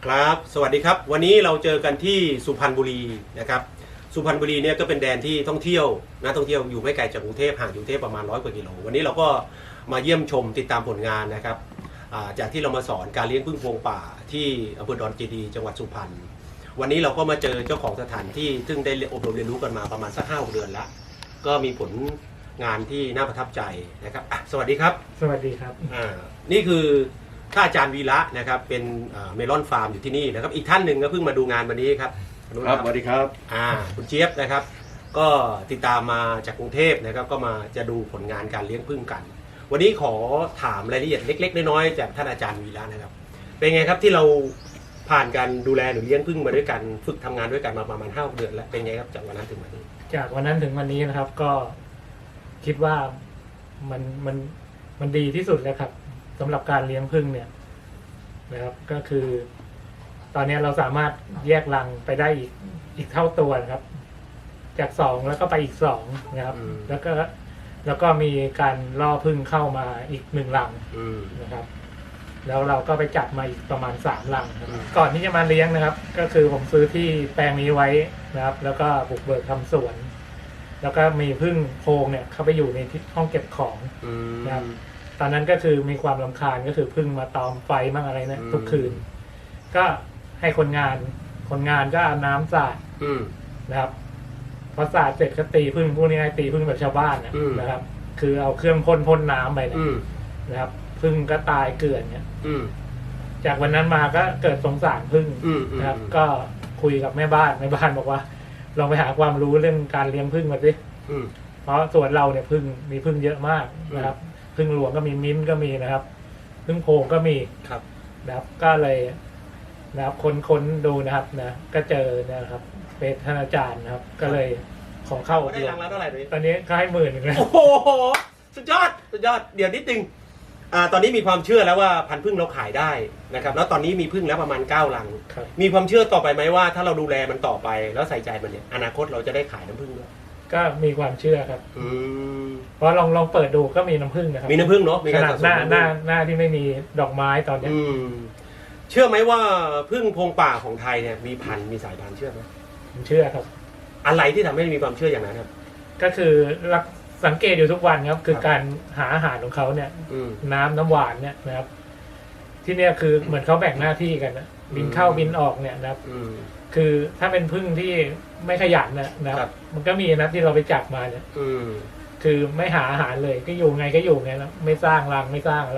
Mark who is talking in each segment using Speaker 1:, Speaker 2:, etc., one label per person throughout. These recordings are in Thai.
Speaker 1: ครับสวัสดีครับวันนี้เราเจอกันที่สุพรรณบุรีนะครับสุพรรณบุรีเนี่ยก็เป็นแดนที่ท่องเที่ยวนักท่องเที่ยวอยู่ไม่ไกลจากกรุงเทพห่างจากกรุงเทพประมาณ100 กว่ากิโลวันนี้เราก็มาเยี่ยมชมติดตามผลงานนะครับจากที่เรามาสอนการเลี้ยงผึ้งพวงป่าที่อำเภอดอนเจดีย์จังหวัดสุพรรณวันนี้เราก็มาเจอเจ้าของสถานที่ซึ่งได้อบรมเรียนรู้กันมาประมาณสัก5-6 เดือนแล้วก็มีผลงานที่น่าประทับใจนะครับสวัสดีครับ
Speaker 2: สวัสดีครับ
Speaker 1: นี่คือท่านอาจารย์วีระนะครับเป็นเมลอนฟาร์มอยู่ที่นี่นะครับอีกท่านหนึ่งก็เพิ่งมาดูงานวันนี้ครับ
Speaker 3: ครับสวัสดีครับ
Speaker 1: คุณเจี๊ยบนะครับก็ติดตามมาจากกรุงเทพนะครับก็มาจะดูผลงานการเลี้ยงผึ้งกันวันนี้ขอถามรายละเอียดเล็กๆน้อยๆจากท่านอาจารย์วีระนะครับเป็นไงครับที่เราผ่านการดูแลหรือเลี้ยงผึ้งมาด้วยกันฝึกทำงานด้วยกันมาประมาณ5-6 เดือนแล้วเป็นไงครับจากวันนั้นถึงวันนี้
Speaker 2: จากวันนั้นถึงวันนี้นะครับก็คิดว่ามันดีที่สุดแล้วครับสำหรับการเลี้ยงผึ้งเนี่ยนะครับก็คือตอนนี้เราสามารถแยกรังไปได้อีกเท่าตัวนะครับจาก2แล้วก็ไปอีก2นะครับแล้วก็มีการล่อผึ้งเข้ามาอีก1รังนะครับแล้วเราก็ไปจับมาอีกประมาณ3รังก่อนที่จะมาเลี้ยงนะครับก็คือผมซื้อที่แปลงนี้ไว้นะครับแล้วก็บุกเบิกทำสวนแล้วก็มีผึ้งโพรงเนี่ยเข้าไปอยู่ในห้องเก็บของนะครับตอนนั้นก็คือมีความรำคาญก็คือผึ้งมาตอมไฟมั่งอะไรนะทุกคืนก็ให้คนงานก็เอาน้ำสาดนะครับพอสาดเสร็จก็ตีผึ้งพวกนี้ให้ตีผึ้งแบบชาวบ้านนะครับคือเอาเครื่องพ่นน้ำไปนะครับผึ้งก็ตายเกลื่อนเนี่ยจากวันนั้นมาก็เกิดสงสารผึ้งนะครับก็คุยกับแม่บ้านบอกว่าลองไปหาความรู้เรื่องการเลี้ยงผึ้งมาสิเพราะส่วนเราเนี่ยมีผึ้งเยอะมากนะครับผึ้งหลวงก็มีมิ้นก็มีนะครับผึ้งโพงก็มีนะครับก็เลยนะครับค้นดูนะครับนะก็เจอนะครับเป็นท่านอาจารย์นะครับก็เลยขอเข้า
Speaker 1: ได้รังแล้วเท่าไหร่
Speaker 2: ตอนนี้ก็ให้10,000เลย
Speaker 1: โอ้โหสุดยอดเดี๋ยวนิดนึงตอนนี้มีความเชื่อแล้วว่าพันธุ์ผึ้งเราขายได้นะครับแล้วตอนนี้มีผึ้งแล้วประมาณ9 รังมีความเชื่อต่อไปไหมว่าถ้าเราดูแลมันต่อไปแล้วใส่ใจมันเนี่ยอนาคตเราจะได้ขายน้ำผึ้งด้วย
Speaker 2: ก็มีความเชื่อครับเพราะลองเปิดดูก็มีน้ำผึ้งนะครับ
Speaker 1: มีน้ำผึ้งเนาะมี
Speaker 2: ขนาดหน้าที่ไม่มีดอกไม้ตอนนี้
Speaker 1: เชื่อไหมว่าผึ้งพงป่าของไทยเนี่ยมีพันธุ์มีสายพันธุ์เชื่อไหม
Speaker 2: ผมเชื่อครับ
Speaker 1: อะไรที่ทำให้มีความเชื่ออย่างนั้นครับ
Speaker 2: ก็คือสังเกตอยู่ทุกวันครับคือการหาอาหารของเขาเนี่ยน้ำหวานเนี่ยนะครับที่เนี่ยคือเหมือนเขาแบ่งหน้าที่กันนะบินเข้าบินออกเนี่ยนะครับคือถ้าเป็นผึ้งที่ไม่ขยันนะครับมันก็มีนะที่เราไปจับมาเนี่ยคือไม่หาอาหารเลยก็อยู่ไงแล้วไม่สร้างรังไม่สร้างอะไร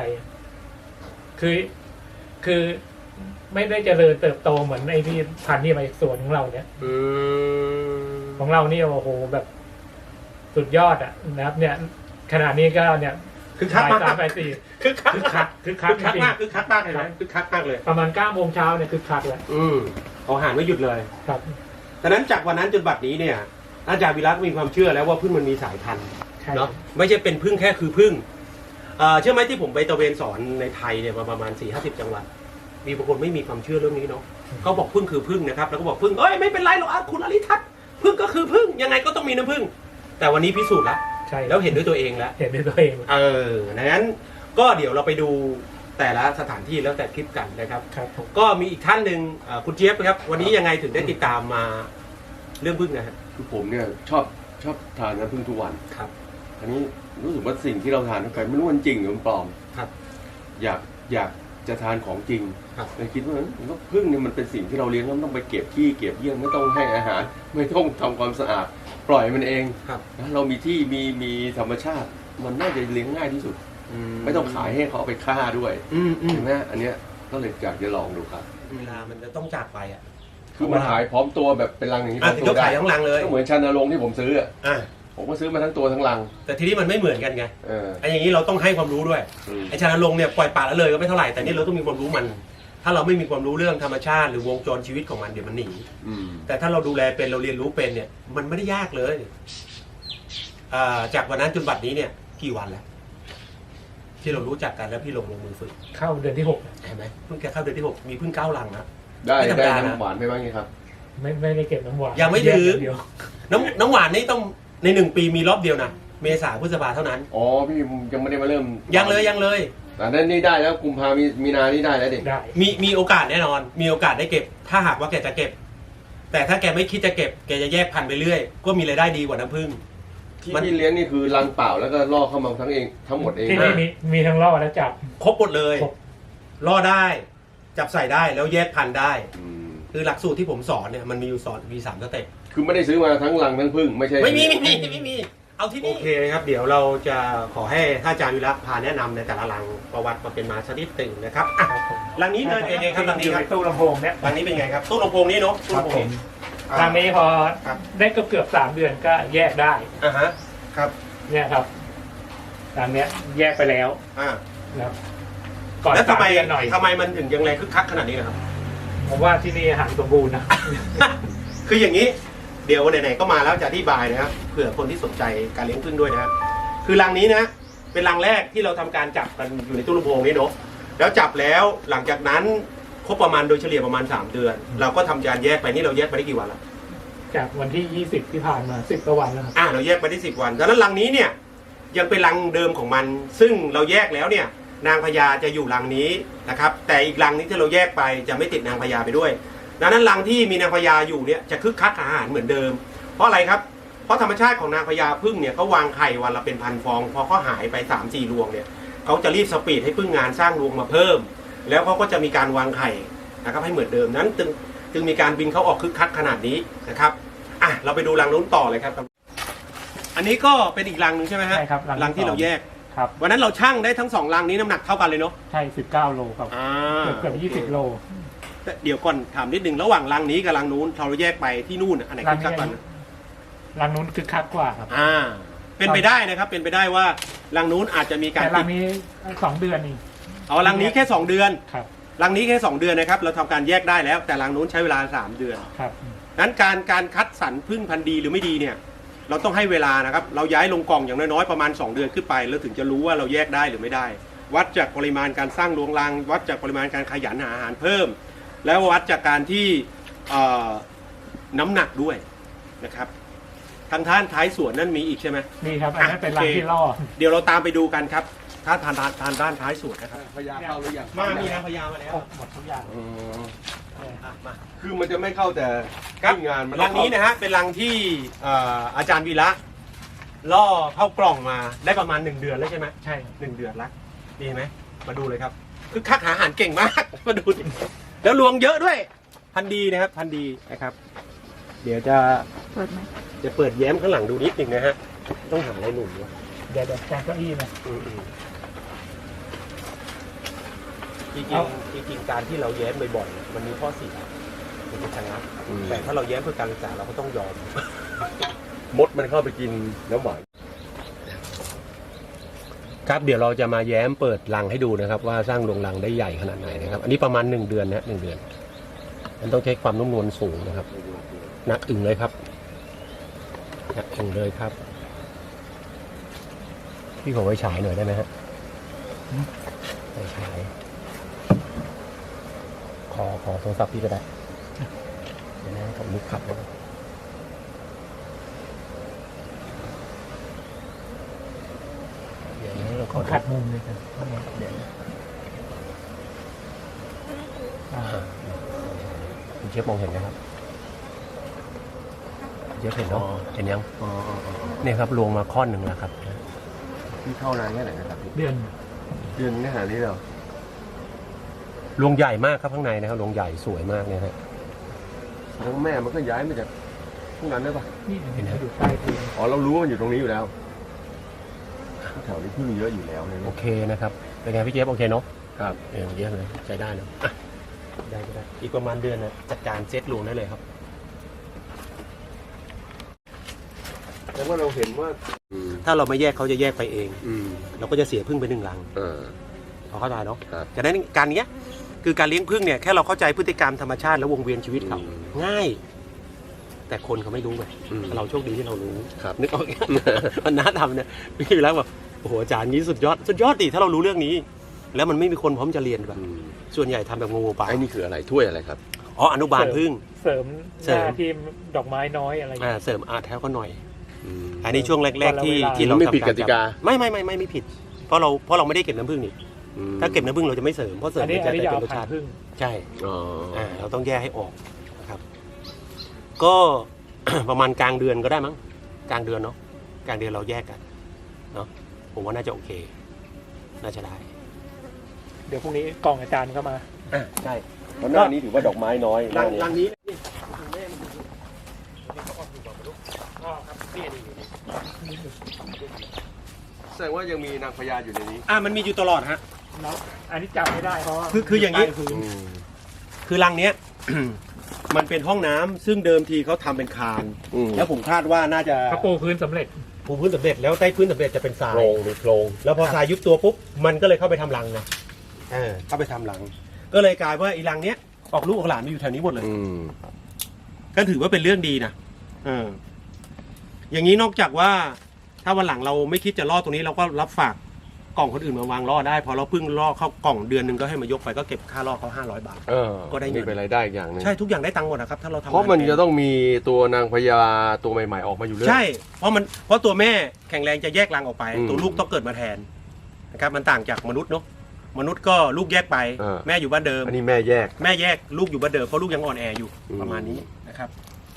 Speaker 2: คือไม่ได้เจริญเติบโตเหมือนไอ้ที่พันธุ์ที่มาจากสวนของเราเนี่ยของเรานี่โอ้โหแบบสุดยอดอ่ะนะครับเนี่ยขนาดนี้ก็เนี่ย
Speaker 1: คือคักมาก
Speaker 2: คือคัก
Speaker 1: มากคือคักมากเลยนะคือคักมากเลย
Speaker 2: ประมาณ9 โมงเช้าเนี่ยคือคักแล้ว
Speaker 1: เขาหาไม่หยุดเลย
Speaker 2: ครับ
Speaker 1: ดังนั้นจากวันนั้นจนบัดนี้เนี่ยอาจารย์วิรัตมีความเชื่อแล้วว่าผึ้งมันมีสายพันธุ์เนาะไม่ใช่เป็นผึ้งแค่คือผึ้งเชื่อไหมที่ผมไปตระเวนสอนในไทยเนี่ยประมาณ40-50 จังหวัดมีบางคนไม่มีความเชื่อเรื่องนี้เนาะเขาบอกผึ้งคือผึ้งนะครับแล้วก็บอกผึ้งไม่เป็นไรหรอกคุณอริทัศน์ผึ้งก็คือผึ้งยังไงก็ต้องมีน้ำผึ้งแต่วันนี้พิสูจน์แล้วแล้วเห็นด้วยตัวเองแล้วดังนั้นก็เดี๋ยวเราไปดูแต่ละสถานที่แล้วแต่คลิปกันนะครับก็มีอีกท่านหนึ่งคุณเจี๊ยบครับวันนี้ยังไงถึงได้ติดตามมาเรื่องผึ้งนะครับ
Speaker 3: คือผมเนี่ยชอบทานน้ำผึ้งทุกวัน
Speaker 1: ครับ
Speaker 3: อันนี้รู้สึกว่าสิ่งที่เราทานไปไม่รู้มันจริงหรือมันปลอม
Speaker 1: ครับ
Speaker 3: อยากจะทานของจริงเลยคิดว่าผึ้งเนี่ยมันเป็นสิ่งที่เราเลี้ยงแล้วต้องไปเก็บขี้เก็บเยี่ยงไม่ต้องให้อาหารไม่ต้องทำความสะอาดปล่อยมันเองนะเรามีที่มีธรรมชาติมันน่าจะเลี้ยงง่ายที่สุดไม่ต้องขายให้เขาเอาไปฆ่าด้วยใช่ไหมอันเนี้ยก็เลยอยากจะลองดูครับ
Speaker 1: เวลามันจะต้องจากไปอ่ะ
Speaker 3: คือมันขายพร้อมตัวแบบเป็นรังอย่างนี้
Speaker 1: ก็ขายทั้งรังเลย
Speaker 3: ก็เหมือนชันนรงค์ที่ผมซื้อผมก็ซื้อมาทั้งตัวทั้งรัง
Speaker 1: แต่ทีนี้มันไม่เหมือนกันไงไอ้อย่างนี้เราต้องให้ความรู้ด้วยไอ้ชันนรงค์เนี่ยปล่อยปละละเลยก็ไม่เท่าไหร่แต่นี่เราต้องมีความรู้มันถ้าเราไม่มีความรู้เรื่องธรรมชาติหรือวงจรชีวิตของมันเดี๋ยวมันหนีแต่ถ้าเราดูแลเป็นเราเรียนรู้เป็นเนี่ยมันไม่ได้ยากเลยจากวันนั้นจนบัดนี้เนี่ยกี่วันแล้วที่เรารู้จักกันแล้วพี่ลงมือฝึก
Speaker 2: เข้าเดือนที่6
Speaker 1: เห็นไหมเพิ่งแค่เข้าเดือนที่6มีเพิ่ง9 รังนะ
Speaker 3: ได้น้ำหวานไปบ้างไงครับ
Speaker 2: ไม่ได้เก็บน้ำหวาน
Speaker 1: ยังไม่ถือน้ำหวานนี่ต้องใน1 ปีมีรอบเดียวนะเมษาพฤษภาเท่านั้น
Speaker 3: อ๋อพี่ยังไม่ได้มาเริ่ม
Speaker 1: ยังเลย
Speaker 3: แต่นั่นนี่ได้แล้วกุมภามีนานี่ได้แล้วเด็ก
Speaker 2: ได้
Speaker 1: มีโอกาสแน่นอน มีโอกาสได้เก็บ ถ้าหากว่าแกจะเก็บ แต่ถ้าแกไม่คิดจะเก็บแกจะแยกพันธุ์ไปเรื่อยก็มีรายได้ดีกว่าน้ำผึ้ง
Speaker 3: ที่
Speaker 1: มัน
Speaker 3: พี่เลี้ยงนี่คือรังเปล่าแล้วก็ล่อเข้ามาทั้งหมดเอง
Speaker 2: ที่นี่มีทั้งล่อและจับ
Speaker 1: ครบหมดเลย
Speaker 2: ครบ
Speaker 1: ล่อได้จับใส่ได้แล้วแยกพันธุ์ได้
Speaker 3: อืม
Speaker 1: คือหลักสูตรที่ผมสอนเนี่ยมันมีอยู่สอนมี3สเต็ป
Speaker 3: คือไม่ได้ซื้อมาทั้งรังทั้งพึ่งไม่ใช่
Speaker 1: ไม่มีเอาที่นี่โอเคครับเดี๋ยวเราจะขอให้ท่านอาจารย์วิระพาแนะนำในแต่ละรังประวัติมาเป็นมาชนิดตึงนะครับอ่ะรังนี้เลยเป็นไงครับรัง
Speaker 2: อ
Speaker 1: นี้
Speaker 2: ยู่
Speaker 1: ค
Speaker 2: ใน
Speaker 1: รับ
Speaker 2: ตู้ลำโพงเนี่ย
Speaker 1: รังนี้เป็นไงครับตู้ลำโพงนี้เนาะตู้
Speaker 2: ครับ
Speaker 1: ลำโพง
Speaker 2: ผม
Speaker 1: นี้
Speaker 2: ทางนี้พอ
Speaker 1: ครับ
Speaker 2: ได้เกือบ3 เดือนก็แยกได้
Speaker 1: อ่าฮะครับ
Speaker 2: เนี่ยครับทางเนี้ยแยกไปแล้ว
Speaker 1: อ่า
Speaker 2: นะครับก่อน
Speaker 1: แล้วทำไม
Speaker 2: 3 เดือนหน่อย
Speaker 1: ทำไมมันถึงยังไงคึกคักขนาดนี้นะครับ
Speaker 2: ผมว่าที่นี่อาหารสมบูรณ์นะ
Speaker 1: คืออย่างนี้เดี๋ยวไหนๆก็มาแล้วจะอธิบายนะครับเผื่อคนที่สนใจการเลี้ยงผึ้งด้วยนะครับคือรังนี้นะเป็นรังแรกที่เราทำการจับกันอยู่ในตู้ลำโพงนี้เนาะแล้วจับแล้วหลังจากนั้นครบประมาณโดยเฉลี่ยประมาณ3 เดือน เราก็ทำการแยกไปนี่เราแยกไปได้กี่วันแล้ว
Speaker 2: จากวันที่ 20 ที่ผ่านมา10กว่าวันแล้วครับ
Speaker 1: เราแยกไปได้10 วันดังนั้นรังนี้เนี่ยยังเป็นรังเดิมของมัน ซึ่งเราแยกแล้วเนี่ยนางพญาจะอยู่รังนี้นะครับแต่อีกรังนี้ที่เราแยกไปจะไม่ติดนางพญาไปด้วยดังนั้นรังที่มีนางพญาอยู่เนี่ยจะคึกคักอาหารเหมือนเดิมเพราะอะไรครับเพราะธรรมชาติของนางพญาผึ้งเนี่ยเขาวางไข่วันละเป็นพันฟองพอเขาหายไป 3-4 รวงเนี่ยเขาจะรีบสปีดให้ผึ้งงานสร้างรวงมาเพิ่ม แล้วเขาก็จะมีการวางไข่นะครับให้เหมือนเดิมนั้นจึงมีการบินเขาออกคึกคักขนาดนี้นะครับเราไปดูรังนู้นต่อเลยครับอันนี้ก็เป็นอีกรังหนึ่งใช่ไหมฮะ
Speaker 2: ใช่ครับ
Speaker 1: รังที่เราแยก
Speaker 2: ครับ
Speaker 1: วันนั้นเราชั่งได้ทั้ง2รังนี้น้ำหนักเท่ากันเลยเนาะ
Speaker 2: ใช่19 โลครับเกือบ20 โล
Speaker 1: แต่เดี๋ยวก่อนถามนิดนึงระหว่างรังนี้กับรังนู้นเราแยกไปที่นู่นอันไหนคึกคักกว่า
Speaker 2: รังนู้นคึกคักกว่าครับ
Speaker 1: เป็นไปได้นะครับเป็นไปได้ว่ารังนู้นอาจจะมีการ
Speaker 2: แต่รังนี้2 เดือนนี่
Speaker 1: รังนี้แค่2 เดือน
Speaker 2: ครับ
Speaker 1: รังนี้แค่2 เดือนนะครับเราทำการแยกได้แล้วแต่รังนู้นใช้เวลา3 เดือน
Speaker 2: ครับ
Speaker 1: นั้นการคัดสรรผึ้งพันธุ์ดีหรือไม่ดีเนี่ยเราต้องให้เวลานะครับเราย้ายลงกล่องอย่างน้อยๆประมาณ2 เดือนขึ้นไปแล้วถึงจะรู้ว่าเราแยกได้หรือไม่ได้ วัดจากปริมาณการสร้างรวงรัง วัดจากปริมาณการขยันหาอาหารเพิ่ม แล้ววัดจากการที่น้ำหนักด้วยนะครับทางท่านท้ายสวนนั่นมีอีกใช่ไหม
Speaker 2: นี่ครับอันนั้นเป็นรังที่ล่อ
Speaker 1: เดี๋ยวเราตามไปดูกันครับถ้าทานด้านท้ายสวนนะครับ
Speaker 3: พญาเข้าหรือยัง
Speaker 1: มีนางพญามาแล้ว
Speaker 2: หมดทุกอย่าง
Speaker 3: อ๋อ
Speaker 1: มา
Speaker 3: คือมันจะไม่เข้าแต่
Speaker 1: ครับ
Speaker 3: ที่งานมัน
Speaker 1: รังนี้นะฮะเป็นรังที่อาจารย์วีระล่อเข้ากล่องมาได้ประมาณ1 เดือนแล้วใช่ไหม
Speaker 2: ใช่
Speaker 1: 1 เดือนละดีไหมมาดูเลยครับคือคักหาอาหารเก่งมาก มาดูดิแล้วรวงเยอะด้วยพันธุ์ดีนะครับพันธุ์ดีนะครับ เดี๋ยวจะ
Speaker 4: เปิดไหม
Speaker 1: เปิดแย้มข้างหลังดูนิดหนึ่งนะฮะต้องหาอะไรหนุนวะ
Speaker 2: เดี๋ยวแจกเก้าอี้นะ
Speaker 1: จริงการที่เราแย้มบ่อยๆมันมีข้อเสียมันจะชะงักแต่ถ้าเราแย้มเพื่อการศึกษาเราก็ต้องยอม
Speaker 3: มดมันเข้าไปกินน้ำหวาน
Speaker 1: ครับเดี๋ยวเราจะมาแย้มเปิดรังให้ดูนะครับ ว่าสร้างรวงรังได้ใหญ่ขนาดไหนนะครับ อันนี้ประมาณ1 เดือนนะ1 เดือนมันต้องใช้ความนุ่มนวลสูงนะครับหนักอึ่งเลยครับหนักอึ่งเลยครับพี่ขอไว้ฉายหน่อยได้ไหมฮะไว้ฉายขอโทรศัพท์พี่ก็ได้เดี๋ยวนะผมนึกขับนะเดี๋ยวนะเราข
Speaker 2: ขอ
Speaker 1: อ
Speaker 2: ขัดมุมเลยครับเดี๋ยว
Speaker 1: คุณเชฟมองเห็นไหมครับเชฟเห็นเนาะเห็นยังเนี่ยครับรวงมาข้อนหนึ่งแล้วครับ
Speaker 3: ที่เข้านานแค่ไหนนะครับพี่
Speaker 2: เดือน
Speaker 3: เดือนนี้หานี้เหรอ
Speaker 1: รวงใหญ่มากครับข้างในนะครับรวงใหญ่สวยมากเนี่ยฮะ
Speaker 3: แล้วแม่มันก็ย้ายมาจากพวกนั้นได้ปะ
Speaker 2: นี่เห็นอยู่ใต้พื้น
Speaker 3: อ๋อเรารู้ว่ามันอยู่ตรงนี้อยู่แล้วแถวนี้พึ่งเยอะอยู่แล้วเนี่ย
Speaker 1: โอเคนะครับเป็นไงพี่เจฟโอเคเนาะ
Speaker 3: ครับ
Speaker 1: เยี่ยมเลยใช้ได้นะอ่ะได้ก็ได้อีกประมาณเดือนนะจัดการเซตรวงได้เลยครับ
Speaker 3: แล้วว่าเราเห็นว่า
Speaker 1: ถ้าเราไม่แยกเขาจะแยกไปเอง
Speaker 3: อืม
Speaker 1: เราก็จะเสียพึ่งไป1 รัง
Speaker 3: เออ
Speaker 1: เขาเข้าใจเนาะ
Speaker 3: ครับ
Speaker 1: จากนั้นการเนี้ยคือการเลี้ยงพึ่งเนี่ยแค่เราเข้าใจพฤติกรรมธรรมชาติและวงเวียนชีวิตเขา
Speaker 3: อืม
Speaker 1: ง่าย แต่คนเขาไม่รู้ไง
Speaker 3: อืม
Speaker 1: เราโชคดีที่เรารู้
Speaker 3: ครับ
Speaker 1: นึกออกไหม มันน่าทำเนี่ยพี่วิรักแบบโอ้โหอาจารย์นี้สุดยอดดิถ้าเรารู้เรื่องนี้ แล้วมันไม่มีคนพร้อมจะเรียนแบบ
Speaker 3: อืม
Speaker 1: ส่วนใหญ่ทำแบบงูๆปลา
Speaker 3: ไอ้นี่คืออะไรถ้วยอะไรครับ
Speaker 1: อ๋ออนุบาลพึ่ง
Speaker 2: เสริมหน้าที่ดอกไม้น้อยอะไรอย่างเงี้ย
Speaker 1: เสริมอาร์ตแท้ก็หน่อย
Speaker 3: อืม
Speaker 1: อันนี้ช่วงแรกๆที่
Speaker 2: วันละเวลา
Speaker 1: ที่เรา
Speaker 3: ไม่
Speaker 1: ทำ
Speaker 3: ผิดกติกา
Speaker 1: ไม่ผิด เพราะเราไม่ได้เก็บน้ำผึ้งนี่ถ้าเก็บน้ำผึ้งเราจะไม่เสริมเพราะเสริม
Speaker 2: อันนี้
Speaker 1: จะได้
Speaker 2: จะ
Speaker 1: เป็
Speaker 2: เอา
Speaker 1: นรส
Speaker 2: พัน
Speaker 1: ชาติ
Speaker 2: ธุ์พึ่ง
Speaker 1: ใช่
Speaker 3: อ๋อ
Speaker 1: เราต้องแยกให้ออกนะครับ ก็ ประมาณกลางเดือนก็ได้มั้งกลางเดือนเนาะกลางเดือนเราแยกกันเนาะผมว่าน่าจะโอเค น่าจะได้
Speaker 2: เดี๋ยวพรุ่งนี้กล่องอาจารย์ก็มา
Speaker 1: ใช่
Speaker 3: เพราะหน้านี้ถือว่าดอกไม้น้อยหน้านี้
Speaker 1: รังนี้
Speaker 3: แสดงว่ายังมีนางพญาอยู่ในนี้
Speaker 1: มันมีอยู่ตลอดฮะ
Speaker 2: แล้วอันนี้จับไม่ได้เพราะว่า
Speaker 1: คืออย่างนี้
Speaker 2: ใต้พื้น
Speaker 1: คือรังเนี้ย มันเป็นห้องน้ำซึ่งเดิมทีเขาทำเป็นคาน แล้วผมคาดว่าน่าจะ
Speaker 2: เขาปูพื้นสำเร็จ
Speaker 1: ปูพื้นสำเร็จแล้วใต้พื้นสำเร็จจะเป็นทรา
Speaker 3: โคร
Speaker 1: ย
Speaker 3: งมีโครง
Speaker 1: แล้วพอทรายยุบตัวปุ๊บมันก็เลยเข้าไปทำรังนะเข้าไปทำรัง ก็เลยกลายว่าอีรังเนี้ยออกลูกออกหลานมาอยู่แถวนี้หมดเลย ก็ถือว่าเป็นเรื่องดีนะอย่างนี้นอกจากว่าถ้าวันหลังเราไม่คิดจะล่อตรงนี้เราก็รับฝากกล่องคนอื่นมาวางล่อได้พอเราเพิ่งล่อเข้ากล่องเดือนหนึ่งก็ให้มายกไปก็เก็บค่าล่อเขา500 บาท ก็ได้เงิน
Speaker 3: นี่เป็นรายได้อีกอย่างหนึง
Speaker 1: ใช่ทุกอย่างได้ตังค์หมดนะครับถ้าเราทำ
Speaker 3: เพราะมัน
Speaker 1: งา
Speaker 3: จะต้องมีตัวนางพญาตัวใหม่ๆออกมาอยู่เรื่อย
Speaker 1: ใช่เพราะตัวแม่แข็งแรงจะแยกรังออกไป
Speaker 3: อืม
Speaker 1: ตัวลูกต้องเกิดมาแทนนะครับมันต่างจากมนุษย์เนาะมนุษย์ก็ลูกแยกไป แม่อยู่บ้านเดิม
Speaker 3: อันนี้แม่แยก
Speaker 1: แม่แยกลูกอยู่บ้านเดิมเพราะลูกยังอ่อนแออยู่
Speaker 3: อืม
Speaker 1: ประมาณนี้นะครับ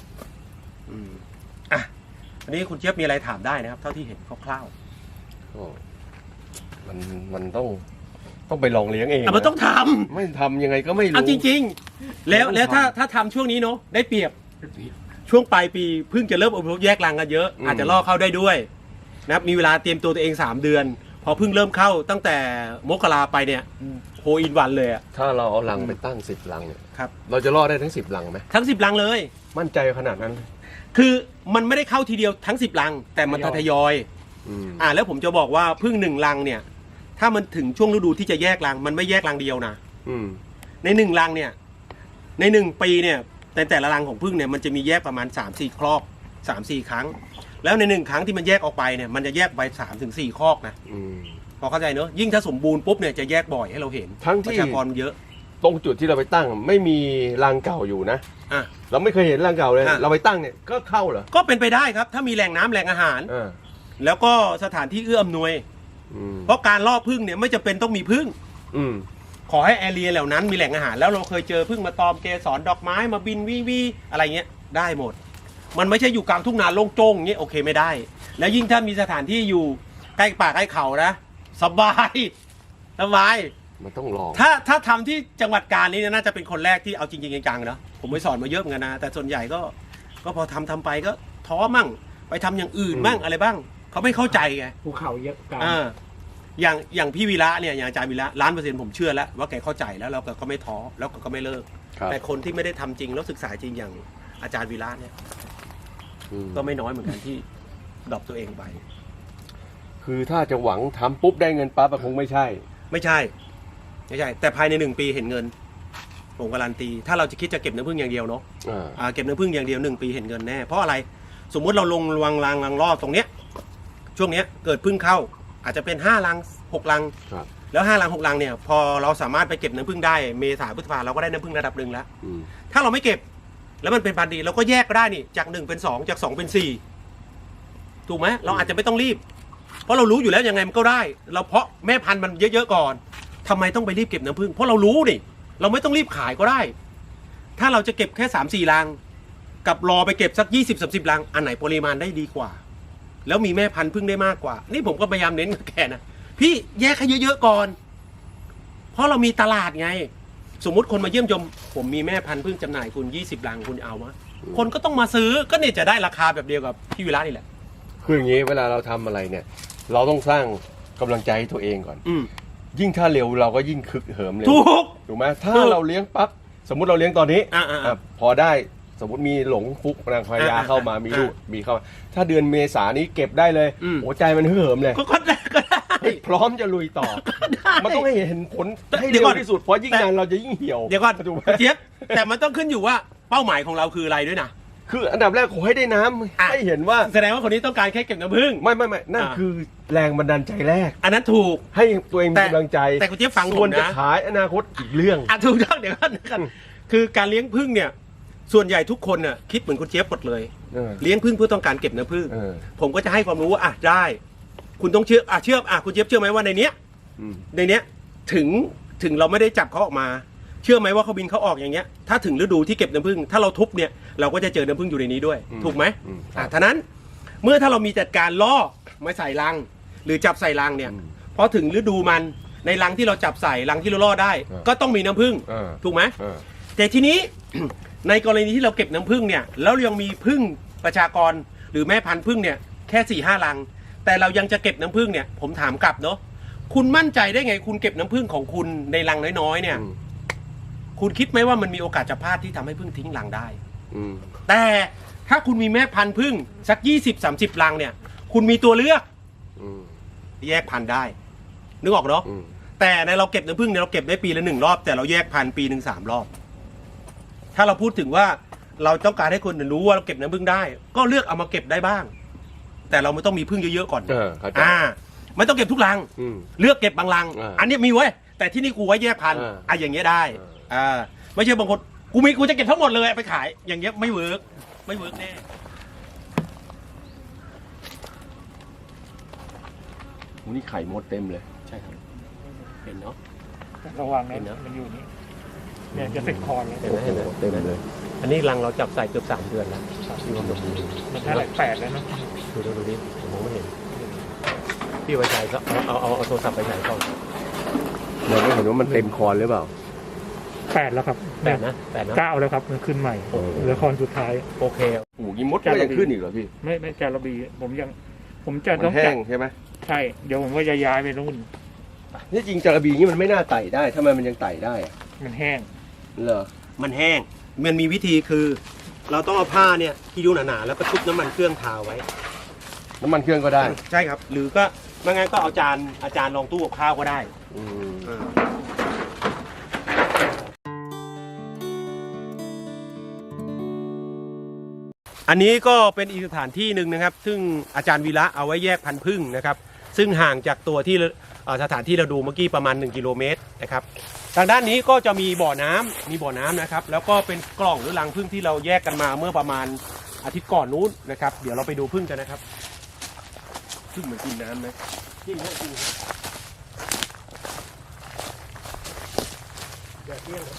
Speaker 1: อ่ะอันนี้คุณเจี๊ยบมีอะไรถามได้นะครับ เท่าที่เห็นคร่าว
Speaker 3: ก็มันต้องไปลองเลี้ยงเอง
Speaker 1: ๆมันต้องท
Speaker 3: ไม่ทำยังไงก็ไม่
Speaker 1: ำ
Speaker 3: รู้
Speaker 1: เอาจริง ๆ แล้วถ้าทำช่วงนี้เนาะได้เปรียบช่วงปลายปีเพิ่งจะเริ่มอพยพแยกรังกันเยอะ อาจจะล่อเข้าได้ด้วยนะครับมีเวลาเตรียมตัวเอง3 เดือน พอเพิ่งเริ่มเข้าตั้งแต่มกราไปเนี่ยโฮอินวันเลยอะ
Speaker 3: ถ้าเราเอารังไปตั้ง10รังเนี่ย
Speaker 1: ครับ
Speaker 3: เราจะรอดได้ทั้ง10รังไหม
Speaker 1: ทั้ง10รังเลย
Speaker 3: มั่นใจขนาดนั้น
Speaker 1: คือมันไม่ได้เข้าทีเดียวทั้ง10รัง แต่มันทยอย แล้วผมจะบอกว่าพึ่ง1รังเนี่ย ถ้ามันถึงช่วงฤดูที่จะแยกรังมันไม่แยกรังเดียวนะใน1รังเนี่ยใน1ปีเนี่ยแต่ละรังของพึ่งเนี่ยมันจะมีแยกประมาณ3-4 ครอก 3-4 ครั้ง แล้วใน1ครั้งที่มันแยกออกไปเนี่ยมันจะแยกไป3-4 ครอกนะพอเข้าใจเนอะยิ่งถ้าสมบูรณ์ปุ๊บเนี่ยจะแยกบ่อยให้เราเห็น
Speaker 3: ทั้ง
Speaker 1: ป
Speaker 3: ที่
Speaker 1: ระชากรเยอะ
Speaker 3: ตรงจุดที่เราไปตั้งไม่มีรังเก่าอยู่นะ
Speaker 1: อ่ะ
Speaker 3: เราไม่เคยเห็นรังเก่าเลย
Speaker 1: อ่ะ
Speaker 3: เราไปตั้งเนี่ยก็เข้าเหรอ
Speaker 1: ก็เป็นไปได้ครับ ถ้ามีแหล่งน้ำแหล่งอาหาร แล้วก็สถานที่เอื้ออำนวย เพราะการล่อพึ่งเนี่ยไม่จำเป็นต้องมีพึ่ง ขอให้แอเรียเหล่านั้นมีแหล่งอาหารแล้วเราเคยเจอพึ่งมาตอมเกสรดอกไม้มาบินวิอะไรเงี้ยได้หมด มันไม่ใช่อยู่กลางทุ่งนาโล่งโจ้งเงี้ยโอเคไม่ได้ แล้วยิ่งถ้ามีสถานที่อยู่ใกล้ป่าใกล้เขานะสบายสบาย
Speaker 3: มันต้องลอง
Speaker 1: ถ้าทำที่จังหวัดกาญนี้น่าจะเป็นคนแรกที่เอาจริงๆจังๆนะผมไปสอนมาเยอะเหมือนกันนะแต่ส่วนใหญ่ก็พอทำไปก็ท้อมั่งไปทำอย่างอื่นบ้างอะไรบ้างเขาไม่เข้าใจไง
Speaker 2: ภูเขาเยอะกัน
Speaker 1: อย่างพี่วีระเนี่ยอย่างอาจารย์วีระ1,000,000%ผมเชื่อแล้วว่าแกเข้าใจแล้วเราก็ไม่ท้อแล้วก็ไม่เลิก แต่คนที่ไม่ได้ทำจริงแล้วศึกษาจริงอย่างอาจารย์วีระเนี่ยก็ไม่น้อยเหมือนกันที่ดรอปตัวเองไป
Speaker 3: คือถ้าจะหวังทำปุ๊บได้เงินปั๊บคงไม่ใช่
Speaker 1: ไม่ใช่ แต่ภายใน1 ปีเห็นเงินผมการันตีถ้าเราจะคิดจะเก็บน้ำผึ้งอย่างเดียวเนาะเก็บน้ำผึ้งอย่างเดียว1 ปีเห็นเงินแน่เพราะอะไรสมมุติเราลงรังรอบตรงเนี้ยช่วงเนี้ยเกิดผึ้งเข้าอาจจะเป็น5 รัง 6 รังแล้ว5 รัง 6 รังเนี่ยพอเราสามารถไปเก็บน้ำผึ้งได้เมษาพฤษภาเราก็ได้น้ำผึ้งระดับหนึ่งแล้วถ้าเราไม่เก็บแล้วมันเป็นพันธุ์ดีเราก็แยกก็ได้นี่จาก1เป็น2จาก2เป็น4ถูกไหมเราอาจจะไม่ต้องรีบเพราะเรารู้อยู่แล้วยังไงมันก็ได้เราเพาะแม่พันธุ์มันเยอะๆก่อนทำไมต้องไปรีบเก็บน้ำผึ้งเพราะเรารู้นี่เราไม่ต้องรีบขายก็ได้ ถ้าเราจะเก็บแค่3-4 รังกับรอไปเก็บสัก20-30 รังอันไหนปริมาณได้ดีกว่าแล้วมีแม่พันธุ์ผึ้งได้มากกว่านี่ผมก็พยายามเน้นกับแกนะพี่แยกให้เยอะๆก่อนเพราะเรามีตลาดไงสมมุติคนมาเยี่ยมชมผมมีแม่พันธุ์ผึ้งจำหน่ายคุณ20 รังคุณเอามะคนก็ต้องมาซื้อก็เนี่ยจะได้ราคาแบบเดียวกับพี่วิระนี่แหละ
Speaker 3: คืออย่างนี้เวลาเราทำอะไรเนี่ย เราต้องสร้างกำลังใจให้ตัวเองก่อนยิ่งถ้าเร็วเราก็ยิ่งคึกเหิมเร็วถูกไหมถ้าเราเลี้ยงปั๊บสมมุติเราเลี้ยงตอนนี้พอได้สมมติมีหลงฟุกนางพญาเข้ามามีลูกมีเข้ามาถ้าเดือนเมษานี้เก็บได้เลยหัวใจมันฮึกเหิมเลย
Speaker 1: ก็ได้
Speaker 3: พร้อมจะลุยต่อมันต้องให้เห็นผลให้เร็วที่สุดเพราะยิ่งนานเราจะยิ่งเหี่ยว
Speaker 1: เดี๋ยวก่อนเจี๊ยบแต่มันต้องขึ้นอยู่ว่าเป้าหมายของเราคืออะไรด้วยนะ
Speaker 3: คืออันดับแรกขอให้ได้น้ำให้เห็นว่า
Speaker 1: แสดงว่าคนนี้ต้องการแค่เก็บน้ำผึ้ง
Speaker 3: ไม่นั่นคือแรงบันดาลใจแรก
Speaker 1: อันนั้นถูก
Speaker 3: ให้ตัวเองมีกำลังใจ
Speaker 1: แต่คุณเจี๊ยบฟังผมนะ
Speaker 3: ส่วนจะขายอนาคตอีกเรื่อง
Speaker 1: ถูกต้องเดี๋ยวกันคือการเลี้ยงผึ้งเนี่ยส่วนใหญ่ทุกคนน่ะคิดเหมือนคุณเจี๊ยบหมดเลยเลี้ยงผึ้งเพื่อต้องการเก็บน้ำผึ้งผมก็จะให้ความรู้ว่าได้คุณต้องเชื่อคุณเจี๊ยบเชื่อไหมว่าในเนี้ยถึงเราไม่ได้จับเขาออกมา เชื่อไหมว่าเขาบินเขาออกอย่างเงี้ยถ้าถึงฤดูที่เก็บน้ำผึ้งถ้าเราทุบเนี่ยเราก็จะเจอน้ำผึ้งอยู่ในนี้ด้วย ถูกไหมท่านั้นเมื่อถ้าเรามีจัดการล่อไม่ใส่รัง หรือจับใส่รังเนี่ยพอถึงฤดูมันในรังที่เราจับใส่รังที่เราล่อได้ ก็ต้องมีน้ำผึ้งถูกไหมแต่ทีนี้ ในกรณีที่เราเก็บน้ำผึ้งเนี่ยแล้วยังมีผึ้งประชากรหรือแม่พันธุ์ผึ้งเนี่ยแค่4-5 รัง แต่เรายังจะเก็บน้ำผึ้งเนี่ยผมถามกลับเนาะคุณมั่นใจได้ไงคุณเก็บน้ำผึ้งของคุณในรังน้อยๆเนี่ยคุณคิดไหมว่ามันมีโอกาสจะพลาดที่ทำให้ผึ้งทิ้งรังได้แต่ถ้าคุณมีแม่พันธุ์ผึ้งสัก20-30 รังเนี่ยคุณมีตัวเลือกแยกพันธุ์ได้นึกออกเนาะแต่ในเราเก็บน้ำผึ้งเนี่ยเราเก็บได้ปีละ1 รอบแต่เราแยกพันธุ์ปีหนึ่ง3 รอบถ้าเราพูดถึงว่าเราต้องการให้คนรู้ว่าเราเก็บน้ำผึ้งได้ก็เลือกเอามาเก็บได้บ้างแต่เราไม่ต้องมีผึ้งเยอะๆก่อนไม่ต้องเก็บทุกรังเลือกเก็บบางรังอันนี้มีไว้แต่ที่นี่กูไว้แยกพันธุ์อย่างเงี้ยได้ไม่ใช่บางคนกูจะเก็บทั้งหมดเลยไปขายอย่างเงี้ยไม่เวิร์กแน่
Speaker 3: นี่ไข่มดเต็มเลย
Speaker 1: ใช่ครับเห็นเนาะ
Speaker 2: ระวังนะมันอยู่นี่เนี่ยจะติดคอเลย
Speaker 1: เห็นไหมเต็มเลยอันนี้รังเราจับใส่เกือบ3 เดือนแล้วที่ว่า
Speaker 2: มันถ้า8แล้วนะ
Speaker 1: ดูดิผมมองไม่เห็นพี่ไว้ใจก็เอาโทรศัพท์ไปใส่ก่อน
Speaker 3: เราไม่เห็นว่ามันเต็มคอนหรือเปล่า
Speaker 2: 8แล้วครับ
Speaker 1: 8นะ
Speaker 2: 9แล้วครับมันขึ้นใหม่เหลือคอนสุดท้าย
Speaker 1: โอเค
Speaker 3: โอ้ยมดก็ยังขึ้นอีกเหรอพี่
Speaker 2: ไม่แกระบีผมจะต้อง
Speaker 3: แห้งใช่ไหม
Speaker 2: ใช่เดี๋ยวผมว่าจะย้ายไปนู่น
Speaker 3: นี่จริงจระบีนี่มันไม่น่าไต่ได้ทำไมมันยังไต่ได้
Speaker 2: มันแห้ง
Speaker 3: เหรอ
Speaker 1: มันแห้งมันมีวิธีคือเราต้องเอาผ้าเนี่ยที่ดูหนาๆแล้วก็ชุบน้ำมันเครื่องทาไว้
Speaker 3: น้ำมันเครื่องก็ได้
Speaker 1: ใช่ครับหรือก็ไม่งั้นก็เอาจานรองตู้กับข้าวก็ได้อันนี้ก็เป็นอีกสถานที่หนึ่งนะครับซึ่งอาจารย์วีระเอาไว้แยกพันธุ์ผึ้งนะครับซึ่งห่างจากตัวที่สถานที่เราดูเมื่อกี้ประมาณ1 กิโลเมตรนะครับทางด้านนี้ก็จะมีบ่อน้ำนะครับแล้วก็เป็นกล่องหรือรังผึ้งที่เราแยกกันมาเมื่อประมาณอาทิตย์ก่อนนู้นนะครับเดี๋ยวเราไปดูผึ้งกันนะครับผึ้งมันกินน้ำไหมกินเยอะจริงอย่าเที่ยง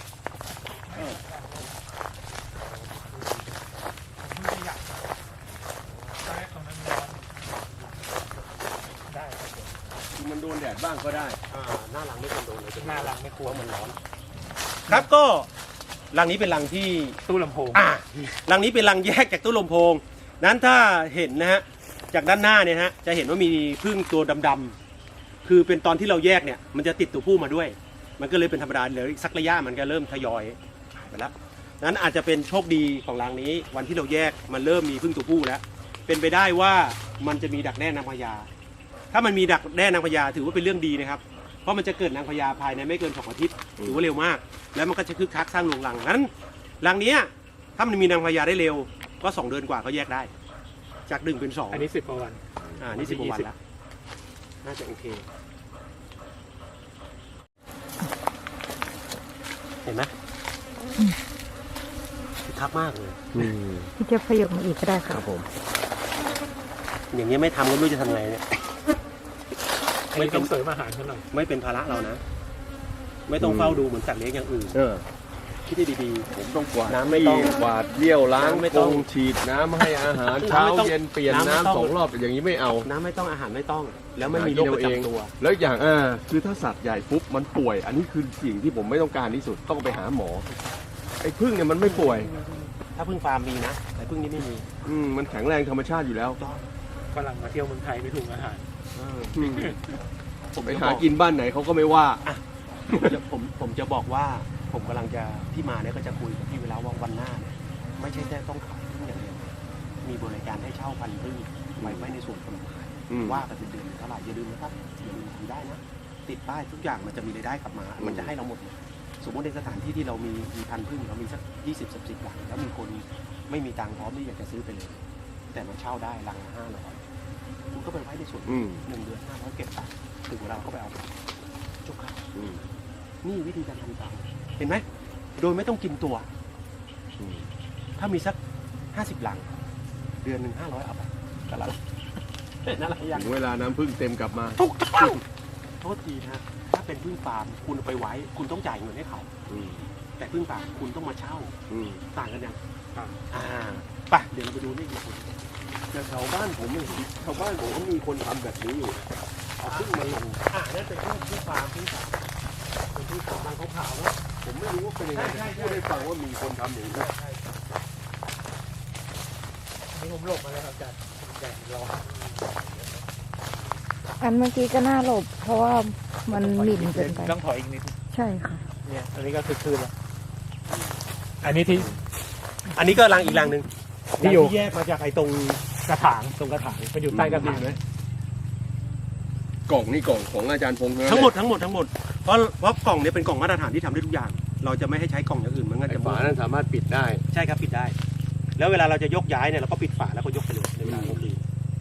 Speaker 3: มันโดนแดดบ้างก็ได้
Speaker 1: หน้ารังไม่ควรโดนเลย
Speaker 2: หน้ารังไม่กลัว
Speaker 1: มันร้อนครับก็รังนี้เป็นรังที่
Speaker 2: ตู้ลำโพง
Speaker 1: รังนี้เป็นรังแยกจากตู้ลำโพงนั้นถ้าเห็นนะฮะจากด้านหน้าเนี่ยฮะจะเห็นว่ามีผึ้งตัวดำๆคือเป็นตอนที่เราแยกเนี่ยมันจะติดตัวผู้มาด้วยมันก็เลยเป็นธรรมดาเลยสักระยะมันก็เริ่มทยอยไปแล้วนั้นอาจจะเป็นโชคดีของรังนี้วันที่เราแยกมันเริ่มมีผึ้งตัวผู้แล้วเป็นไปได้ว่ามันจะมีดักแด้นางพญาถ้ามันมีดักแด้นางพญาถือว่าเป็นเรื่องดีนะครับเพราะมันจะเกิดนางพญาภายในไม่เกิน2 อาทิตย์ถือว่าเร็วมากแล้วมันก็จะคึกคักสร้างโรงรังนั้นรังนี้ถ้ามันมีนางพญาได้เร็วก็2 เดือนกว่าก็แยกได้จาก1 เป็น 2
Speaker 2: อันนี้10 กว่าวัน
Speaker 1: นี่10 กว่าวันแล้วน่าจะโอเคเห็นไหมคึกคักมากเลย
Speaker 4: พี่จะขยับมาอีกก็ได้ครับ
Speaker 1: ผมอย่างนี้ไม่ทำก็ไม่รู้จะทำไงเนี่ย
Speaker 2: ไม่ต้องเสริมอาหารเท่าไหร่
Speaker 1: ไม่เป็นภาระเรานะไม่ต้องเฝ้าดูเหมือนสัตว์เลี้ยงอย่างอื่นคิดให้ดี
Speaker 3: ๆผมต้องกวาดน้ำไม่ต้องกวาดเลี้ยวล้างไม่ต้องฉีดน้ำให้อาหารเช้าเย็นเปลี่ยนน้ำ2 รอบอย่างนี้ไม่เอา
Speaker 1: น้ำไม่ต้องอาหารไม่ต้องแล้วไม่มีโรคประจำตัว
Speaker 3: แล้วอย่างคือถ้าสัตว์ใหญ่ปุ๊บมันป่วยอันนี้คือสิ่งที่ผมไม่ต้องการที่สุดต้องไปหาหมอไอ้ผึ้งเนี่ยมันไม่ป่วย
Speaker 1: ถ้าผึ้งฟาร์มมีนะแต่ผึ้งนี้ไม่มี
Speaker 3: มันแข็งแรงธรรมชาติอยู่แล้ว
Speaker 2: ฝรั่งมาเที่ยวเมืองไทยไม่ถูกอาหาร
Speaker 3: ผมไปหากินบ้านไหนเขาก็ไม่ว่า
Speaker 1: ผมจะบอกว่าผมกำลังจะที่มาเนี่ยก็จะคุยกับพี่เวลาว่าวันหน้าเนี่ยไม่ใช่แค่ต้องขายผึ้งอย่างเดียวมีบริการให้เช่าพันธุ์ผึ้งไว้ในส่วนกฎหมายว่ากันเป็นเดือนเท่าไหร่อย่าลืมนะครับอย่าลืมทำได้นะติดป้ายทุกอย่างมันจะมีรายได้กลับมามันจะให้เราหมดสมมติในสถานที่ที่เรามีพันธุ์ผึ้งเรามีสัก20-30 หลังแล้วมีคนไม่มีตังค์พร้อมที่อยากจะซื้อไปเลยแต่มันเช่าได้รังละ500คุณก็ไปไว้ในส่วน1 เดือน500เก็บตังค์ถึงเวลาก็ไปเอาจบครับนี่วิธีการทำตามเห็นไหมโดยไม่ต้องกินตัวถ้ามีสัก50 หลังเดือนหนึ่ง500เอาไปกันละนั่นแหละ
Speaker 3: ถึงเวลาน้ำผึ้งเต็มกลับมา
Speaker 1: ทุกต้องโทษทีนะถ้าเป็นพึ่งฟาร์มคุณเอาไปไว้ คุณต้องจ่ายเงินให้เขา
Speaker 3: อืม
Speaker 1: แต่พึ่งป่าคุณต้องมาเช่า
Speaker 3: อืม
Speaker 1: ต่างกันยัง
Speaker 2: ครับ
Speaker 1: ไปเดี๋ยวเราไปดูนี่อีกคน
Speaker 3: แต่แถวบ้านผมแถวบ้านผมก็มีคนทำแบบนี้อยู่เอาพึ่งมาลง
Speaker 1: นั่นเป็นพึ่งฟาร์มพึ่งสาวเป็นพึ่งสาวบางขาวๆนะ
Speaker 3: ผมไม่รู้ว่าเป็นยังไง
Speaker 1: ใช่
Speaker 3: พูดให้ฟังว่ามีคนทำอย่างนี้
Speaker 2: นี่ผมหลบมาแล้วครับอาจารย์แดดร้อน
Speaker 4: อันเมื่อกี้ก็น่าหลบ เพราะว่ามันหมิ่นเกินไป
Speaker 2: ต้องถอยอีกนิด
Speaker 4: ใช่ค่ะ
Speaker 2: เนี่ยอันนี้ก็คือคืนแล้วอันนี้ที่
Speaker 1: อันนี้ก็รังอีกรังหนึ่ง
Speaker 2: ที่อยู่
Speaker 1: ที่แยกมาจากไอ้ตรง
Speaker 2: กระถาง
Speaker 1: ตรงกระถาง
Speaker 2: มันอยู่ใต้กระถาง
Speaker 3: กล่องนี่กล่องของอาจารย์พงษ์
Speaker 1: ทั้งหมดเพราะกล่องเนี้เป็นกล่องมาตรฐานที่ทำได้ทุกอย่าง เราจะไม่ให้ใช้กล่องอย่างอื่นมันก็
Speaker 3: ไอ้
Speaker 1: จะ
Speaker 3: ฝานั้นสามารถปิดได้
Speaker 1: ใช่ครับปิดได้ แล้วเวลาเราจะยกย้ายเนี่ยเราก็ปิดฝาแล้วก็ยกไปเลยในเวลาเราดี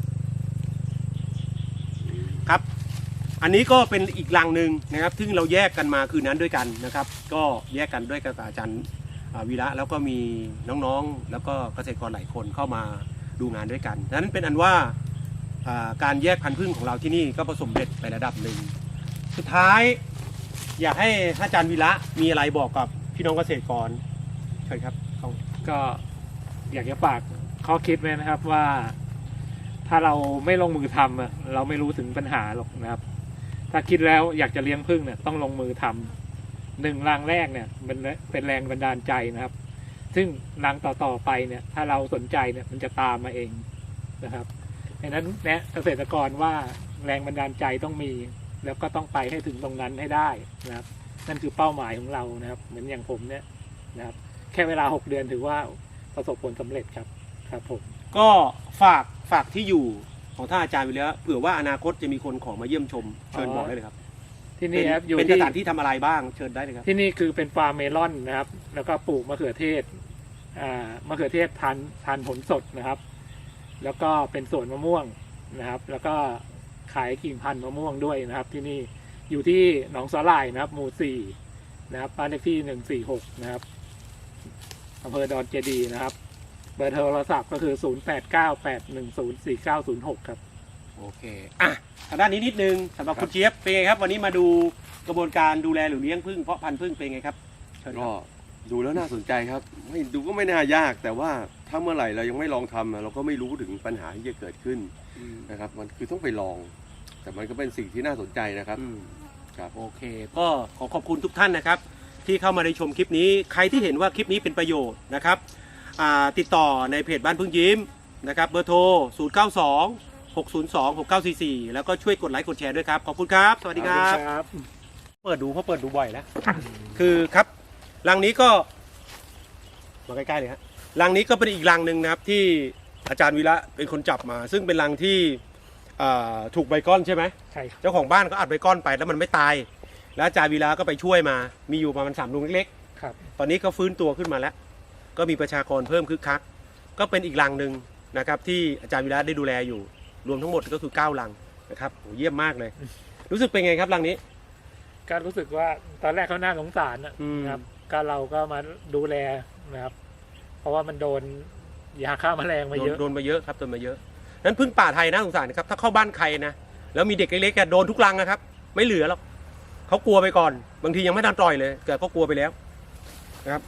Speaker 1: ครับ อันนี้ก็เป็นอีกรังหนึ่งนะครับซึ่งเราแยกกันมาคืนนั้นด้วยกันนะครับ ก็แยกกันด้วยกับอาจารย์วีระแล้วก็มีน้องๆ แล้วก็เกษตรกรหลายคนเข้ามาดูงานด้วยกันดังนั้นเป็นอันว่าการแยกพันธุ์ผึ้งของเราที่นี่ก็ประสบเร็จไประดับหนึ่งสุดท้ายอยากให้อาจารย์วีระมีอะไรบอกกับพี่น้องเกษตรกรเชิญครับ
Speaker 2: ก็อยากจะฝากข้อคิดไว้นะครับว่า ถ้าเราไม่ลงมือทำอะเราไม่รู้ถึงปัญหาหรอกนะครับ ถ้าคิดแล้วอยากจะเลี้ยงผึ้งเนี่ยต้องลงมือทำ1รังแรกเนี่ยมันเป็นแรงบันดาลใจนะครับ ซึ่งรังต่อๆไปเนี่ย ถ้าเราสนใจเนี่ยมันจะตามมาเองนะครับดังนั้นแนะเกษตรกรว่าแรงบันดาลใจต้องมี แล้วก็ต้องไปให้ถึงตรงนั้นให้ได้นะครับ นั่นคือเป้าหมายของเรานะครับ เหมือนอย่างผมเนี่ยนะครับ แค่เวลา6 เดือนถือว่าประสบผลสำเร็จครับครับผม
Speaker 1: ก็ฝากที่อยู่ของท่านอาจารย์ไปแล้วเผื่อว่าอนาคตจะมีคนขอมาเยี่ยมชมเชิญบอกได้เลยครับ
Speaker 2: ที่นี่ครับอยู่
Speaker 1: เป็นส
Speaker 2: ที่
Speaker 1: ถานที่ทำอะไรบ้างเชิญได้เลยครับ
Speaker 2: ที่นี่คือเป็นฟาร์มเมลอนนะครับ แล้วก็ปลูกมะเขือเทศมะเขือเทศทานผลสดนะครับ แล้วก็เป็นสวนมะม่วงนะครับ แล้วก็ขายกิ่งพันธุ์มะม่วงด้วยนะครับ ที่นี่อยู่ที่หนองสาหร่ายนะครับ หมู่4นะครับบ้านเลขที่146นะครับอำเภอดอนเจดีย์นะครับ เบอร์โทรศัพท์ก็คือ0898104906ครับ
Speaker 1: โอเคทางด้านนี้นิดนึงสำหรับคุณเจี๊ยบเป็นไงครับ วันนี้มาดูกระบวนการดูแลหรือเลี้ยงผึ้งเพาะพันธุ์ผึ้งเป็นไงครับเชิญค
Speaker 3: ก็
Speaker 1: รับ
Speaker 3: ดูแล้วน่าสนใจครับไม่ดูก็ไม่น่ายาก แต่ว่าถ้าเมื่อไหร่เรายังไม่ลองทำเราก็ไม่รู้ถึงปัญหาที่จะเกิดขึ้นนะครับ มันคือต้องไปลอง แต่มันก็เป็นสิ่งที่น่าสนใจนะครับ ครับ
Speaker 1: โอเค ก็ขอบคุณทุกท่านนะครับ ที่เข้ามาในชมคลิปนี้ใครที่เห็นว่าคลิปนี้เป็นประโยชน์นะครับติดต่อในเพจบ้านพึ่งยิ้มนะครับเบอร์โทร 092-602-6944 แล้วก็ช่วยกดไลค์กดแชร์ด้วยครับ ขอบคุณครับ สวัสดีครับ เปิดดูเพราะเปิดดูบ่อยแล้ว คือครับรังนี้ก็มาใกล้ๆเลยฮะรังนี้ก็เป็นอีกรังหนึ่งนะครับที่อาจารย์วีระเป็นคนจับมา ซึ่งเป็นรังที่ถูกใบก้อนใช่ไหม
Speaker 2: ใช่ครับ
Speaker 1: เจ้าของบ้านก็อัดใบก้อนไปแล้วมันไม่ตาย แล้วอาจารย์วีระก็ไปช่วยมามีอยู่ประมาณ3 ลุงเล็ก
Speaker 2: ครับ
Speaker 1: ๆตอนนี้ก็ฟื้นตัวขึ้นมาแล้ว ก็มีประชากรเพิ่มคึกคักก็เป็นอีกรังหนึ่งนะครับที่อาจารย์วีระได้ดูแลอยู่รวมทั้งหมดก็คือ9รังนะครับโหเยี่ยมมากเลย รู้สึกเป็นไงครับรังนี้
Speaker 2: ก็รู้สึกว่าตอนแรกเขาน่าสงสาร
Speaker 1: อืม
Speaker 2: นะครับก็เราก็มาดูแลนะครับ เพราะว่ามันโดนยาฆ่าแมลงมาเยอะ
Speaker 1: โดนมาเยอะครับโดนมาเยอะนั้นพึ่งป่าไทยน่าสงสารนะครับถ้าเข้าบ้านใครนะแล้วมีเด็กเล็กๆโดนทุกรังนะครับ ไม่เหลือหรอกเขากลัวไปก่อน บางทียังไม่ทันปล่อยเลยแต่ก็กลัวไปแล้วนะครับ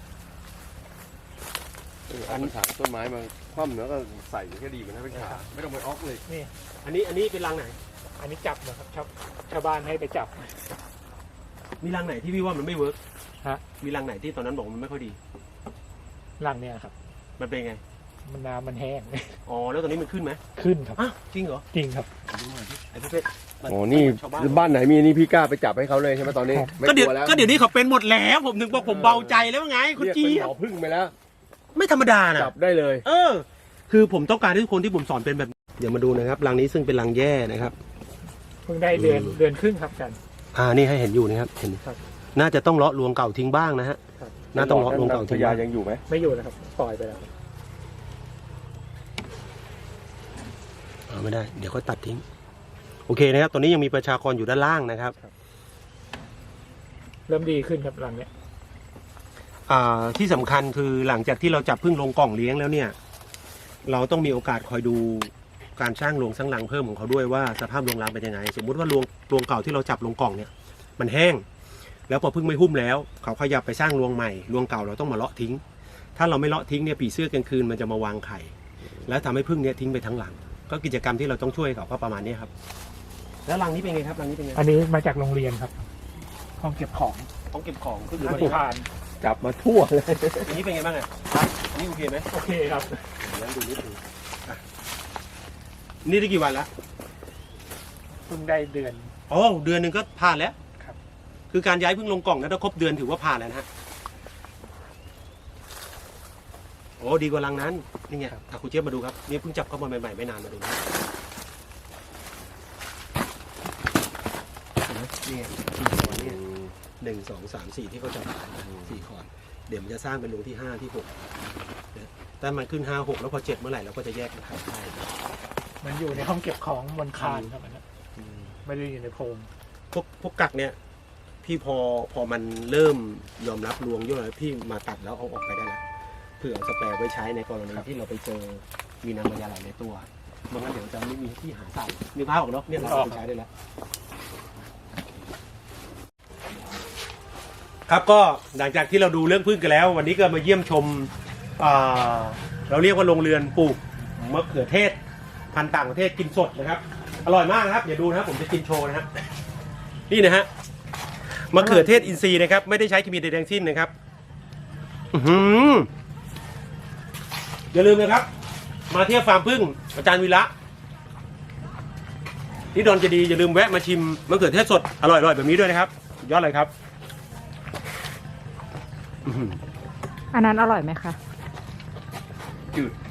Speaker 3: อันถางต้นไม้มาคว่ำแล้วก็ใส่แค่ดีมันนะเป็นขาไม่ต้องไปออกเลย
Speaker 2: นี่
Speaker 1: อันนี้เป็นรังไหน
Speaker 2: อันนี้จับนะครับชาวบ้านให้ไปจับ
Speaker 1: มีรังไหนที่พี่ว่ามันไม่เวิร์ก
Speaker 2: ฮะ
Speaker 1: มีรังไหนที่ตอนนั้นบอกมันไม่ค่อยดี
Speaker 2: หลังเนี่ยครับ
Speaker 1: มันเป็นไง
Speaker 2: มันน้ำมันแห้ง
Speaker 1: อ๋อแล้วตอนนี้มันขึ้นไหม
Speaker 2: ขึ้นครับ
Speaker 1: อ้าวจริงเหรอ
Speaker 2: จริงครับ
Speaker 1: ไอ้ประเภท
Speaker 3: อ๋อนี่
Speaker 1: ชาวบ้าน
Speaker 3: บ้านไหนมีนี่พี่กล้าไปจับให้เขาเลยใช่ไหมตอนนี้
Speaker 2: ครับ
Speaker 3: ไม่
Speaker 1: ก็
Speaker 3: ก
Speaker 1: เดี๋ยว
Speaker 3: ลัวแล้ว
Speaker 1: ก็เดี๋ยวนี้เขาเป็นหมดแล้ว ผมถึงบอกผมเบาใจแล้วไงคุณ
Speaker 3: เรียก
Speaker 1: จี๊
Speaker 3: เป็น
Speaker 1: ย
Speaker 3: หมอบ พึ่งไปแล้ว
Speaker 1: ไม่ธรรมดานะ
Speaker 3: จับได้เลย
Speaker 1: คือผมต้องการให้ทุกคนที่ผมสอนเป็นแบบ เดี๋ยวมาดูนะครับรังนี้ซึ่งเป็นรังแย่นะครับ
Speaker 2: เพิ่งได้เดือนครึ่งครับอาจารย์
Speaker 1: นี่ให้เห็นอยู่นะครับเห็น
Speaker 2: ครับ
Speaker 1: น่าจะต้องเลาะรวงเก่าทิ้งบ้างนะฮะ
Speaker 2: ครับ
Speaker 1: น่าต้องเลาะรวงเก่า
Speaker 3: พ
Speaker 1: ทิ้ง
Speaker 3: ญา
Speaker 1: บ้าง
Speaker 3: ยังอยู่ไหม
Speaker 2: ไม่อยู่นะครับปล่อยไปแล้ว
Speaker 1: ไม่ได้เดี๋ยวก็ตัดทิ้งโอเคนะครับตอนนี้ยังมีประชากรอยู่ด้านล่างนะครับ
Speaker 2: เริ่มดีขึ้นครับหลังเนี้ย
Speaker 1: ที่สำคัญคือหลังจากที่เราจับพึ่งลงกล่องเลี้ยงแล้วเนี่ย เราต้องมีโอกาสคอยดูการสร้างโรงสร้างรังเพิ่มของเขาด้วยว่าสภาพโรงรังเป็นยังไง สมมุติว่าโรงเก่าที่เราจับลงกล่องเนี่ยมันแห้ง แล้วพอพึ่งไม่หุ้มแล้วเขาขยับไปสร้างรวงใหม่รวงเก่าเราต้องมาเลาะทิ้ง ถ้าเราไม่เลาะทิ้งเนี่ยผีเสื้อกลางคืนมันจะมาวางไข่ แล้วทำให้พึ่งเนี่ยทิ้งไปทั้งหลัง ก็กิจกรรมที่เราต้องช่วยเขาก็ประมาณนี้ครับแล้วรังนี้เป็นไงครับรังนี้เป็นไง
Speaker 2: อันนี้มาจากโรงเรียนครับ ห้องเก็บของ
Speaker 1: ต้องเก็บของก็คือ
Speaker 2: อา
Speaker 1: มาดู
Speaker 2: คาร
Speaker 3: จับมาทั่วเลย
Speaker 1: อันนี้เป็นไงบ้างอ่ะอันนี้โอเคไหม
Speaker 2: โอเคครับ
Speaker 1: เดี๋ยวดูนิดนึงอ่ะนี่ได้กี่วันละ
Speaker 2: เพิ่งได้เดือน
Speaker 1: อ๋อเดือนหนึ่งก็ผ่านแล้ว
Speaker 2: ครับ
Speaker 1: คือการย้ายพึ่งลงกล่องนะถ้าครบเดือนถือว่าผ่านแล้วนะฮะโอ้ดีกว่ารังนั้นนี่ไงคุณเจี๊ยบมาดูครับนี่เพิ่งจับเข้ามาใหม่ๆไม่นานมาดูนะเห็นไหมนี่ไง4 ขอนเนี่ย1 2 3 4ที่เขาจับ4 ขอนเดี๋ยวมันจะสร้างเป็นรูที่5ที่6นะแต่มันขึ้น5 6แล้วพอ7เมื่อไหร่เราก็จะแยกมันขายได้
Speaker 2: มันอยู่ในห้องเก็บของบนคานครับอันนั้นไม่ได้อยู่ในโพรง
Speaker 1: พวกกักเนี่ยพี่พอมันเริ่มยอมรับรวงเยอะแล้วพี่มาตัดแล้วเอาออกไปได้แล้วเผื่อเอาสแปร์ไว้ใช้ในกรณีที่เราไปเจอมีน้ำมันยาไหลในตัวเมื่องั้นเดี๋ยวจะไม่มีที่หาใส่นึกภาพออกเนาะเนี่ยเราเอาไปใช้ได้แล้วครับก็หลังจากที่เราดูเรื่องพึ่งกันแล้ว วันนี้ก็มาเยี่ยมชมเราเรียกว่าโรงเรือนปลูกมะเขือเทศพันธุ์ต่างประเทศกินสดนะครับอร่อยมากนะครับอย่าดูนะครับผมจะกินโชว์นะครับนี่นะฮะมะเขือเทศอินทรีย์นะครับไม่ได้ใช้เคมีใดๆทั้งสิ้นนะครับอย่าลืมนะครับมาเที่ยวฟาร์มพึ่งอาจารย์วีระที่ดอนเจดีย์อย่าลืมแวะมาชิมมะเขือเทศสดอร่อยๆแบบนี้ด้วยนะครับสุดยอดเลยครับ
Speaker 4: อันนั้นอร่อยไหมคะ
Speaker 3: จืด